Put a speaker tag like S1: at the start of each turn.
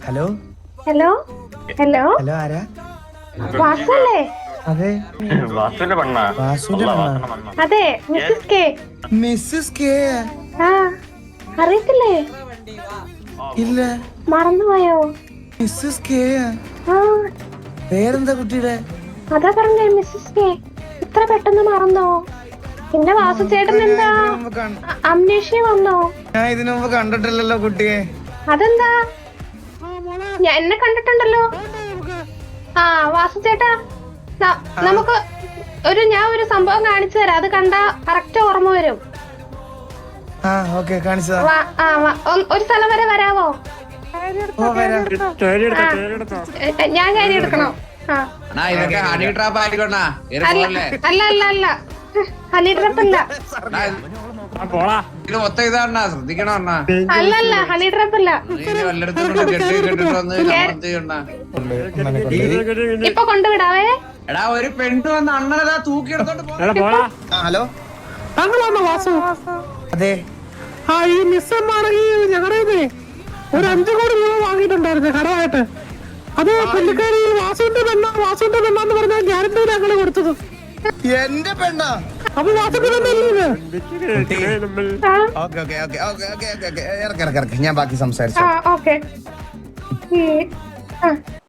S1: Hello
S2: hello hello
S1: hello ആരാ?
S2: വാസല്ലേ?
S1: അതെ
S3: വാസുവിന്റെ പെണ്ണാ.
S1: വാസുവിന്റെ പെണ്ണാ?
S2: അതെ, മിസ്സസ് കെ.
S1: Mrs K?
S2: ആ, അറിയത്തില്ലേ?
S1: ഇല്ല.
S2: മറന്നുപോയോ?
S1: Mrs K?
S2: ആ,
S1: പേരെന്താ കുട്ടിയുടെ?
S2: അതാ പറഞ്ഞേ മിസ്സസ് കെ. ഇത്ര പെട്ടെന്ന് മറന്നോ? പിന്നെ വാസു ചേട്ടൻ എന്താ അംനേഷ്യ വന്നോ?
S1: ഞാൻ ഇതിനു മുമ്പ് കണ്ടിട്ടില്ലല്ലോ കുട്ടിയെ.
S2: അതെന്താ? ഞാൻ എന്നെ കണ്ടിട്ടുണ്ടല്ലോ. ആ വാസു ചേട്ടാ, നമുക്ക് ഞാൻ ഒരു സംഭവം കാണിച്ചു തരാം. അത് കണ്ടാ കറക്റ്റ് ഓർമ്മ വരും.
S1: ആ ഓക്കെ, കാണിച്ചതാ.
S2: ഒരു സ്ഥലം വരെ വരാവോ?
S1: ഓ വരാം.
S2: ഞാൻ കാര്യം എടുക്കണോ? അല്ല അല്ല അല്ല, ഹണി ട്രാപ്പ് അല്ല.
S4: ശ്രദ്ധിക്കണം.
S2: അല്ലല്ല, ഹണി ട്രാപ്പ് അല്ല. ഇപ്പൊ കൊണ്ടുവിടാവേ.
S4: എടാ ഒരു പെണ്ണ് വന്ന് അണ്ണനതാ തൂക്കിയെടുത്തോണ്ട്
S1: ഹലോ,
S5: താങ്കളാണോ വാസു?
S1: അതെ.
S5: ആ, ഈ മിസ്സമ്മാണെങ്കിൽ ഞങ്ങളുടെ ഒരു 5 കോടി രൂപ വാങ്ങിയിട്ടുണ്ടായിരുന്നു കടമായിട്ട്. അത് പുള്ളിക്കാരി വാസുവിന്റെ പെണ്ണാന്ന് പറഞ്ഞാൽ ഗ്യാരണ്ടി ഞങ്ങള് കൊടുത്തത്.
S1: എന്റെ പെണ്ണാ?
S5: അപ്പൊ വാസുവിന്റെ പെണ്ണല്ലേ?
S1: Okay okay okay okay okay okay, ഇറക്കി ഞാൻ ബാക്കി സംസാരിച്ചു.
S2: ഓക്കെ.